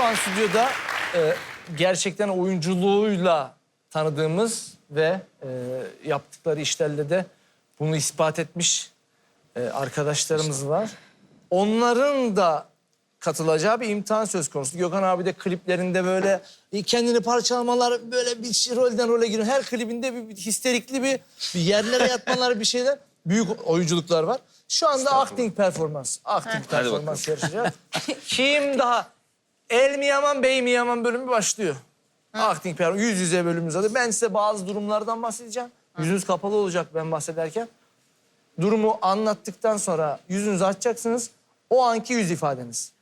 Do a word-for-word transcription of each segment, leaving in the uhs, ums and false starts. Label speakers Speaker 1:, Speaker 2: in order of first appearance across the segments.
Speaker 1: an stüdyoda e, gerçekten oyunculuğuyla tanıdığımız ve e, yaptıkları işlerle de bunu ispat etmiş e, arkadaşlarımız var. Onların da katılacağı bir imtihan söz konusu. Gökhan abi de kliplerinde böyle kendini parçalamalar, böyle bir şey, rolden role giriyor. Her klibinde bir, bir histerikli bir, bir yerlere yatmalar, bir şeyler. Büyük oyunculuklar var. Şu anda acting performans. Acting performans yarışacak. Kim daha? El mi yaman, bey mi yaman bölümü başlıyor. Hı. Acting performans. Yüz yüze bölümümüz adı. Ben size bazı durumlardan bahsedeceğim. Hı. Yüzünüz kapalı olacak ben bahsederken. Durumu anlattıktan sonra yüzünüzü açacaksınız. O anki yüz ifadeniz.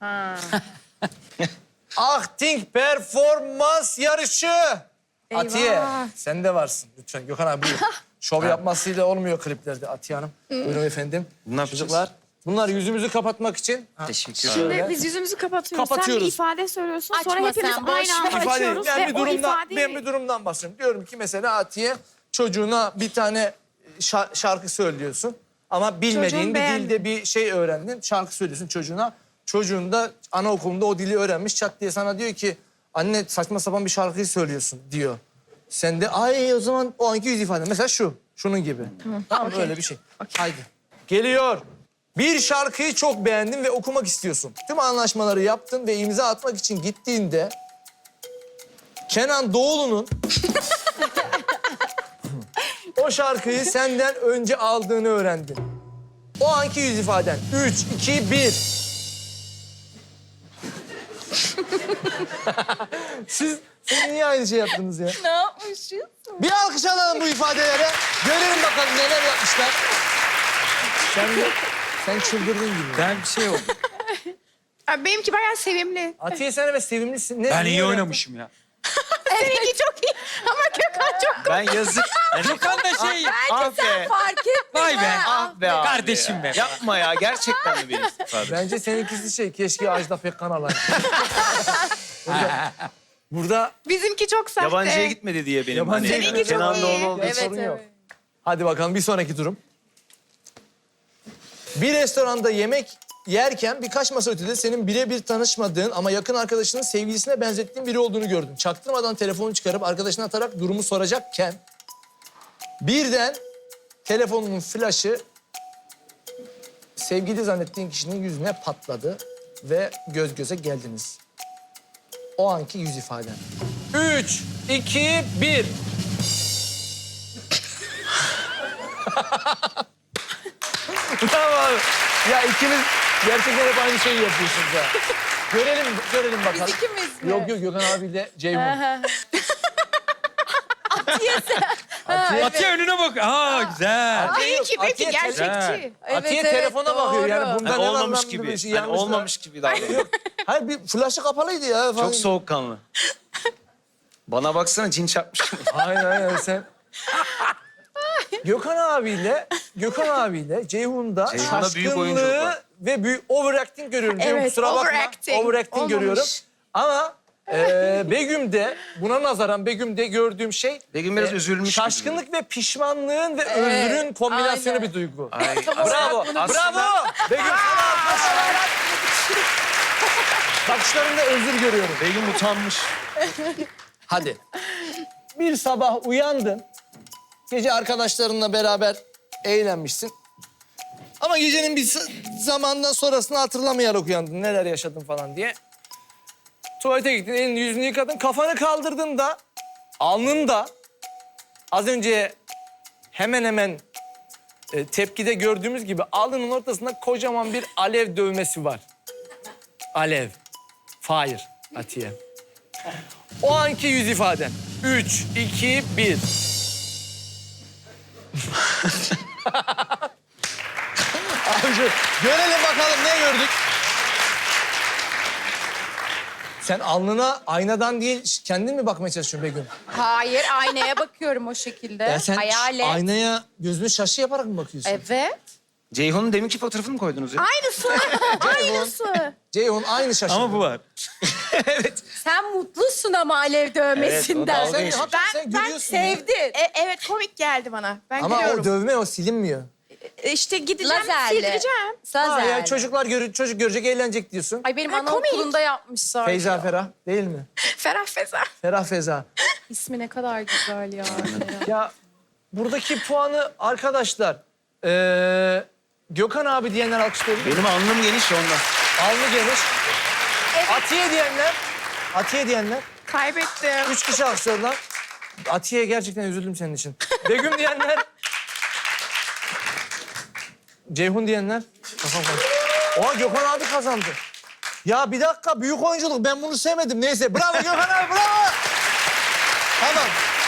Speaker 1: Acting performans yarışı.
Speaker 2: Eyvah.
Speaker 1: Atiye sen de varsın lütfen. Gökhan abi buyur. Şov yapmasıyla olmuyor kliplerde Atiye Hanım. Buyurun efendim.
Speaker 3: Ne yapacağız?
Speaker 1: Çocuklar, bunlar yüzümüzü kapatmak için.
Speaker 3: Teşekkür
Speaker 2: Şimdi
Speaker 3: ederim.
Speaker 2: biz yüzümüzü kapatıyoruz.
Speaker 1: Kapatıyoruz.
Speaker 2: Sen bir ifade söylüyorsun.
Speaker 4: Açma
Speaker 2: sonra hepimiz
Speaker 4: sen, boş
Speaker 2: aynı anda
Speaker 4: ver.
Speaker 1: İfade,
Speaker 2: açıyoruz.
Speaker 1: ben
Speaker 2: ve
Speaker 1: bir
Speaker 2: o
Speaker 1: durumdan,
Speaker 2: ifadeyi...
Speaker 1: ben bir durumdan bahsediyorum. Diyorum ki mesela Atiye çocuğuna bir tane şa- şarkı söylüyorsun. Ama bilmediğin
Speaker 2: Çocuğun
Speaker 1: bir
Speaker 2: beğendi.
Speaker 1: dilde bir şey öğrendin. Şarkı söylüyorsun çocuğuna. Çocuğun da anaokulunda o dili öğrenmiş. Çat diye sana diyor ki anne saçma sapan bir şarkıyı söylüyorsun diyor. Sen de ay o zaman o anki yüz ifade. Mesela şu, şunun gibi. Tamam, tamam
Speaker 2: okey.
Speaker 1: öyle bir şey. Haydi. Geliyor. Bir şarkıyı çok beğendin ve okumak istiyorsun. Tüm anlaşmaları yaptın ve imza atmak için gittiğinde Kenan Doğulu'nun o şarkıyı senden önce aldığını öğrendin. O anki yüz ifaden. Üç, iki, bir. Siz, siz niye aynı şey yaptınız ya?
Speaker 4: Ne yapmışız?
Speaker 1: Bir alkış alalım bu ifadelere. Görelim bakalım neler yapmışlar. Sen de, sen çıldırdın gibi.
Speaker 3: Ben bir şey yok.
Speaker 2: Abi benimki bayağı sevimli.
Speaker 1: Atiye sen evet sevimlisin. Ne,
Speaker 3: Ben
Speaker 1: niye
Speaker 3: iyi
Speaker 1: öyle
Speaker 3: oynamışım ya.
Speaker 2: Seninki çok iyi ama Gökhan çok...
Speaker 3: Ben yazık. Gökhan da şey.
Speaker 4: Ah be. Fark etme.
Speaker 3: Vay be.
Speaker 4: Ah
Speaker 3: be abi Kardeşim be.
Speaker 5: Yapma ya, gerçekten mi benim ifade?
Speaker 1: Bence seninkisi şey, keşke Ajda Pekkan alaydı. burada, burada
Speaker 2: Bizimki çok sahte.
Speaker 5: Yabancıya gitmedi diye benim.
Speaker 1: Yabancıya
Speaker 5: hani
Speaker 2: gitmedi.
Speaker 5: Kenan
Speaker 2: Seninki çok iyi.
Speaker 5: Doğulu olduğu
Speaker 1: bir
Speaker 5: için.
Speaker 4: Evet,
Speaker 1: sorun yok.
Speaker 4: evet.
Speaker 1: Hadi bakalım bir sonraki durum. Bir restoranda yemek yerken birkaç masa ötede senin birebir tanışmadığın ama yakın arkadaşının sevgilisine benzettiğin biri olduğunu gördün. Çaktırmadan telefonu çıkarıp arkadaşına atarak durumu soracakken birden telefonunun flaşı sevgili zannettiğin kişinin yüzüne patladı ve göz göze geldiniz. O anki yüz ifaden. Üç, iki, bir. Bravo abi. Ya ikimiz gerçekten hep aynı şeyi yapıyorsunuz ha. Görelim, görelim bakalım.
Speaker 4: Biz ikimiz mi?
Speaker 1: Yok yok Gökhan abiyle Ceyhun.
Speaker 4: Atiye sen.
Speaker 1: Atiye,
Speaker 3: Atiye önüne bak. Aa güzel.
Speaker 1: Atiye yok,
Speaker 2: Benimki, benimki
Speaker 1: Atiye te-
Speaker 2: gerçekçi.
Speaker 4: Evet,
Speaker 1: Atiye
Speaker 4: evet,
Speaker 1: telefona bakıyor
Speaker 4: doğru.
Speaker 1: yani bundan
Speaker 5: Hani
Speaker 1: ne
Speaker 5: olmamış
Speaker 1: anlamlı
Speaker 5: gibi.
Speaker 1: bir şey
Speaker 5: Hani
Speaker 1: yanlış da-
Speaker 5: olmamış gibi davranıyor.
Speaker 1: Hayır bir flaşı kapalıydı ya falan.
Speaker 5: Çok soğukkanlı. Bana baksana, cin çarpmış.
Speaker 1: Aynen aynen sen. Gökhan abiyle, Gökhan abiyle Ceyhun'da
Speaker 5: Ceyhun'da büyük oyunculuk
Speaker 1: şaşkınlığı
Speaker 5: var.
Speaker 1: ve büyük overacting görüyorum. Ceyhun
Speaker 2: Evet,
Speaker 1: kusura bakma.
Speaker 2: overacting.
Speaker 1: Overacting
Speaker 2: Olmamış.
Speaker 1: görüyorum. Ama e, Begüm'de, buna nazaran Begüm'de gördüğüm şey...
Speaker 5: Begüm biraz
Speaker 1: e,
Speaker 5: üzülmüş gibi.
Speaker 1: Şaşkınlık ve pişmanlığın ve özrün kombinasyonu
Speaker 4: aynen.
Speaker 1: bir duygu.
Speaker 5: Ay,
Speaker 1: Bravo, bravo. Begüm sana alkış. Bakışlarında özür görüyorum.
Speaker 5: Begüm utanmış.
Speaker 1: Hadi. Bir sabah uyandın. Gece arkadaşlarınla beraber eğlenmişsin. Ama gecenin bir s- zamandan sonrasını hatırlamayarak uyandın. Neler yaşadın falan diye. Tuvalete gittin, elini yüzünü yıkadın. Kafanı kaldırdın da alnında az önce hemen hemen e, tepkide gördüğümüz gibi alnının ortasında kocaman bir alev dövmesi var. Alev. Fire. Atiye. O anki yüz ifaden. Üç, iki, bir. Abici, görelim bakalım ne gördük. Sen alnına aynadan değil kendin mi bakmaya çalışıyorsun Begüm?
Speaker 4: Hayır, aynaya bakıyorum o şekilde.
Speaker 1: Ya sen
Speaker 4: Hayal et.
Speaker 1: aynaya gözünü şaşı yaparak mı bakıyorsun?
Speaker 4: Evet.
Speaker 5: Ceyhun'un deminki fotoğrafını mı koydunuz ya?
Speaker 4: Aynısı. Aynısı.
Speaker 1: Ceyhun aynı şaşı.
Speaker 3: Ama bu var.
Speaker 4: Sen mutlusun ama alev dövmesinden.
Speaker 5: Evet, o dalga
Speaker 1: Sen,
Speaker 5: geçmiş.
Speaker 1: hakikaten
Speaker 2: Ben-
Speaker 1: sen
Speaker 2: ben
Speaker 1: gülüyorsun ya.
Speaker 4: Sevdin.
Speaker 2: E, evet komik geldi bana. Ben
Speaker 1: Ama
Speaker 2: gülüyorum.
Speaker 1: o dövme o silinmiyor.
Speaker 2: E, İşte gideceğim,
Speaker 4: Lazerle.
Speaker 2: sildireceğim.
Speaker 1: Ha,
Speaker 4: Lazerle.
Speaker 1: ya çocuklar gör, çocuk görecek, eğlenecek diyorsun.
Speaker 4: Ay benim
Speaker 2: Ha,
Speaker 4: anaokulunda yapmışlar.
Speaker 1: Feyza Ferah değil mi?
Speaker 2: Ferah Feza.
Speaker 1: Ferah Feza.
Speaker 4: İsmi ne kadar güzel ya.
Speaker 1: Ya buradaki puanı arkadaşlar eee, Gökhan abi diyenler alkışlayabilir mi?
Speaker 5: Benim alnım geniş ondan.
Speaker 1: Alnı geniş. Atiye diyenler. Atiye diyenler.
Speaker 2: Kaybettim.
Speaker 1: Üç kişi alkışladılar. Atiye gerçekten üzüldüm senin için. Begüm diyenler. Ceyhun diyenler. Kafam karıştı. Oha Gökhan abi kazandı. Ya bir dakika büyük oyunculuk ben bunu sevmedim. Neyse bravo Gökhan abi bravo. Tamam.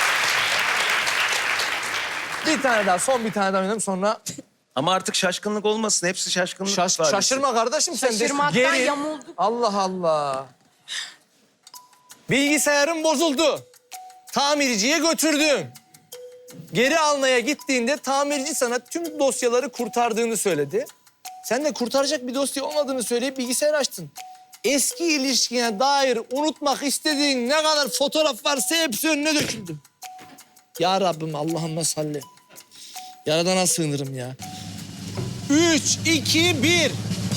Speaker 1: Bir tane daha son bir tane daha oynayalım sonra
Speaker 5: Ama artık şaşkınlık olmasın. Hepsi şaşkınlık.
Speaker 1: şaş,
Speaker 5: ifadesi.
Speaker 1: şaşırma kardeşim sen de.
Speaker 4: Şaşırmaktan
Speaker 1: Geri.
Speaker 4: yamulduk.
Speaker 1: Allah Allah. Bilgisayarım bozuldu. Tamirciye götürdüm. Geri almaya gittiğinde tamirci sana tüm dosyaları kurtardığını söyledi. Sen de kurtaracak bir dosya olmadığını söyleyip bilgisayar açtın. Eski ilişkine dair unutmak istediğin ne kadar fotoğraf varsa hepsi önüne döküldü. Ya Rabbim Allah'ıma salli. Yaradana sığınırım ya. Üç, iki, bir.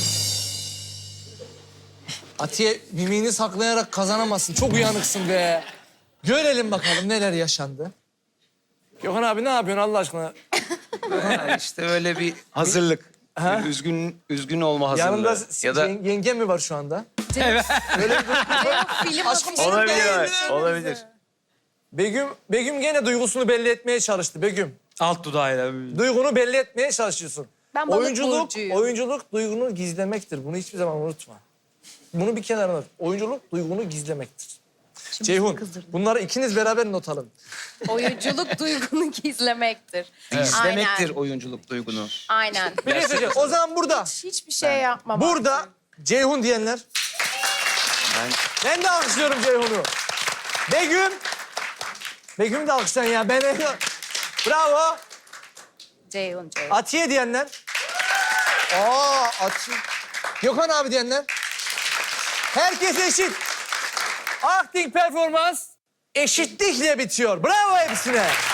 Speaker 1: Atiye mimiğini saklayarak kazanamazsın. Çok uyanıksın be. Görelim bakalım neler yaşandı. Gökhan abi ne yapıyorsun Allah aşkına?
Speaker 5: Ha, işte öyle bir hazırlık.
Speaker 1: Ha?
Speaker 5: Bir üzgün üzgün olma hazırlığı.
Speaker 1: Yanında
Speaker 5: ya da
Speaker 1: yen- yenge mi var şu anda?
Speaker 4: Film
Speaker 1: Aşkım,
Speaker 4: akımı
Speaker 5: olabilir,
Speaker 4: değil.
Speaker 5: evet, olabilir.
Speaker 1: Begüm, Begüm gene duygusunu belli etmeye çalıştı Begüm.
Speaker 3: Alt dudağıyla.
Speaker 1: Duygunu belli etmeye çalışıyorsun.
Speaker 4: Ben balık
Speaker 1: oyunculuk,
Speaker 4: burcuyum.
Speaker 1: oyunculuk duygunu gizlemektir. Bunu hiçbir zaman unutma. Bunu bir kenara unut. Oyunculuk duygunu gizlemektir. Ceyhun, bunları ikiniz beraber not alın.
Speaker 4: Oyunculuk duygunu gizlemektir.
Speaker 5: İzlemektir
Speaker 4: Aynen.
Speaker 5: oyunculuk duygunu.
Speaker 4: Aynen.
Speaker 1: Bir şey söyleyeceğim. O zaman burada,
Speaker 4: Hiçbir şey yapmam.
Speaker 1: burada Ceyhun diyenler.
Speaker 5: Ben
Speaker 1: Ben de alkışlıyorum Ceyhun'u. Begüm. Begüm de alkışlayın ya. Ben bravo.
Speaker 4: Ceyhun, Ceyhun.
Speaker 1: Atiye diyenler. Aa Atiye. Gökhan abi diyenler. Herkes eşit. Acting performans eşitlikle bitiyor. Bravo hepsine.